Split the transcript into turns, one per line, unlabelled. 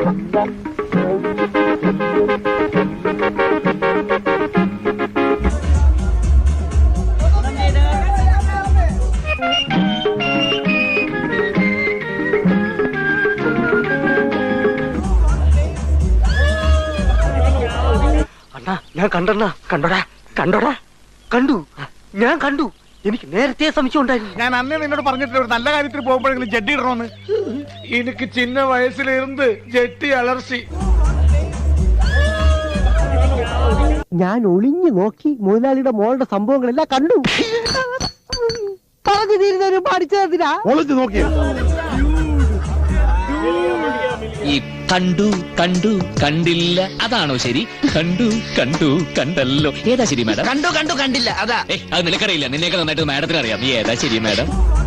ഞാൻ കണ്ടണ്ണ കണ്ടോടാ കണ്ടോടാ കണ്ടു ഞാൻ കണ്ടു എനിക്ക് നേരത്തെ സംശയം ഉണ്ടായിരുന്നു.
ഞാൻ അന്നേ നിന്നോട് പറഞ്ഞിട്ടില്ല ഒരു നല്ല കാര്യത്തിൽ പോകുമ്പോഴെങ്കിലും ജഡ്ഡി ഇടണമെന്ന്. എനിക്ക് ചിന്ന വയസ്സിലിരുന്ന് ജെട്ടി അലർച്ചി.
ഞാൻ ഒളിഞ്ഞു നോക്കി മുതലാളിയുടെ മോളുടെ സംഭവങ്ങളെല്ലാം കണ്ടു. പറഞ്ഞു തീരുന്നവരും പഠിച്ചതിനാ
ഒളിഞ്ഞു നോക്കിയ
ഈ കണ്ടു കണ്ടു കണ്ടില്ല അതാണോ ശരി? കണ്ടു കണ്ടു കണ്ടല്ലോ ഏതാ ശരി മാഡം?
കണ്ടു കണ്ടു കണ്ടില്ല അതാ.
അത് നിനക്കറിയില്ല, നിന്നേക്ക് നന്നായിട്ട് മാഡത്തിന് അറിയാം. നീ ഏതാ ശരി മാഡം?